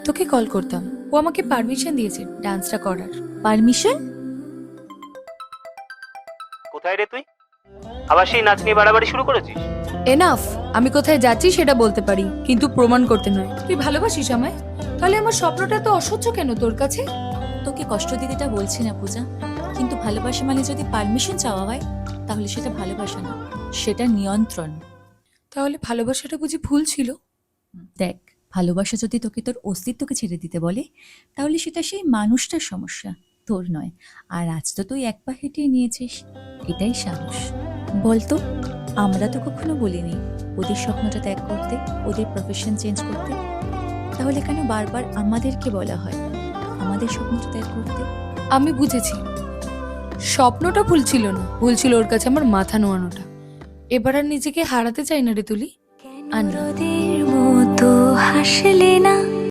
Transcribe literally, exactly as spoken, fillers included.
তোকে কল করতাম, ও আমাকে পারমিশন দিয়েছে ডান্সটা করার। পারমিশন? কোথায় রে তুই? আবার সেই নাচ নিয়ে বাড়াবাড়ি শুরু করেছিস? এনাফ। আমি কোথায় যাচ্ছি সেটা বলতে পারি, কিন্তু প্রমাণ করতে নয়। তুই ভালোবাসিস আমায়? তাহলে আমার স্বপ্নটা তো অসহ্য কেন তোর কাছে? তোকে কষ্ট দিতেটা বলছি না পূজা, কিন্তু ভালোবাসা মানে যদি পারমিশন চাওয়া হয় তাহলে সেটা ভালোবাসা না, সেটা নিয়ন্ত্রণ। তাহলে ভালোবাসাটা বুঝি ভুল ছিল? দেখ, ভালোবাসা যদি তোকে তোর অস্তিত্বকে ছেড়ে দিতে বলে তাহলে সেটা সেই মানুষটার সমস্যা, তোর নয়। আর আজ তো তুই এক পা হেঁটিয়ে নিয়েছিস, এটাই সাহস। বলতো, আমরা তো কখনো বলিনি ওদের স্বপ্নটা ত্যাগ করতে, ওদের প্রফেশন চেঞ্জ করতে। তাহলে কেন বারবার আমাদেরকে বলা হয় আমাদের স্বপ্নটা ত্যাগ করতে? আমি বুঝেছি, স্বপ্নটা ভুল ছিল না, ভুল ছিল ওর কাছে আমার মাথা নোয়ানোটা। এবার আর নিজেকে হারাতে চাই না রে তুলি। আর না। মতো হাসলে না।